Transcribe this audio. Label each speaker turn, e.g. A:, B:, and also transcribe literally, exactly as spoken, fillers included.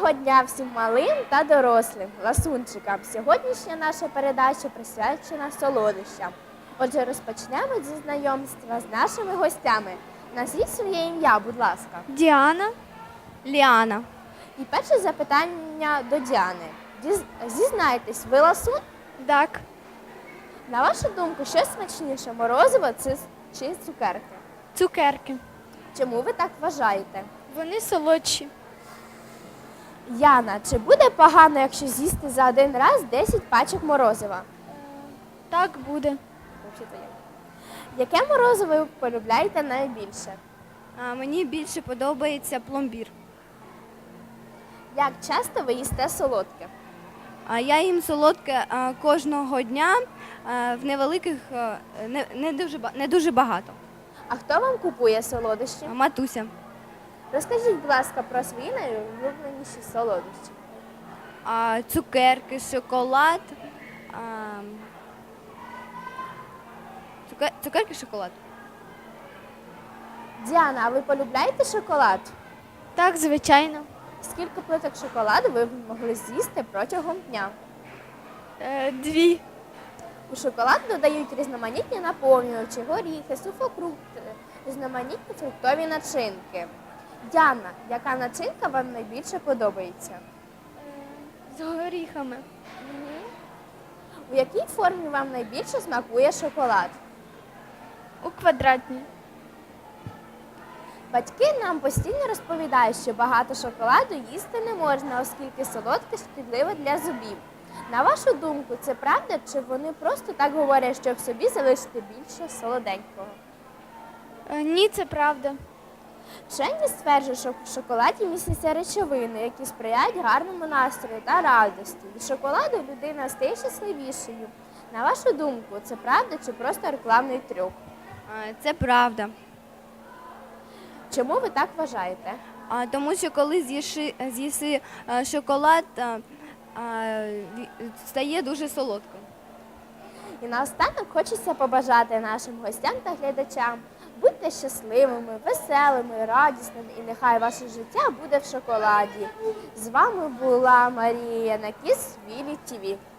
A: Доброго дня всім малим та дорослим ласунчикам. Сьогоднішня наша передача присвячена солодощам. Отже, розпочнемо зі знайомства з нашими гостями. Назвіть своє ім'я, будь ласка.
B: Діана. Ліана.
A: І перше запитання до Діани. Діз- Зізнайтесь, ви ласун?
B: Так.
A: На вашу думку, що смачніше, морозиво чи чи цукерки?
B: Цукерки.
A: Чому ви так вважаєте?
B: Вони солодші.
A: Яна, чи буде погано, якщо з'їсти за один раз десять пачок морозива?
B: Так буде.
A: Взагалі-то є. Яке морозиво ви полюбляєте найбільше?
B: А мені більше подобається пломбір.
A: Як часто ви їсте солодке?
B: А я їм солодке а, кожного дня а, в невеликих, а, не, не, дуже, ба- не дуже багато.
A: А хто вам купує солодощі?
B: А, Матуся.
A: Розкажіть, будь ласка, про свої найулюбленіші солодощі.
B: А, цукерки, шоколад. А, цуке- цукерки, шоколад.
A: Діана, а ви полюбляєте шоколад?
B: Так, звичайно.
A: Скільки плиток шоколаду ви б могли з'їсти протягом дня?
B: Е, дві.
A: У шоколад додають різноманітні наповнювачі, горіхи, сухофрукти, різноманітні фруктові начинки. Діана, яка начинка вам найбільше подобається?
B: З горіхами.
A: У якій формі вам найбільше смакує шоколад?
B: У квадратній.
A: Батьки нам постійно розповідають, що багато шоколаду їсти не можна, оскільки солодке шкідливе для зубів. На вашу думку, це правда, чи вони просто так говорять, щоб собі залишити більше солоденького?
B: Е, ні, це правда.
A: Вчені стверджують, що в шоколаді містяться речовини, які сприяють гарному настрою та радості. Від шоколаду людина стає щасливішою. На вашу думку, це правда чи просто рекламний трюк?
B: А, це правда.
A: Чому ви так вважаєте?
B: А, тому що коли з'їши, з'їси е, шоколад, а, а, ві- стає дуже солодким.
A: І наостанок хочеться побажати нашим гостям та глядачам. Будьте щасливими, веселими, радісними і нехай ваше життя буде в шоколаді. З вами була Марія Накіс, Вілі ТІВІ.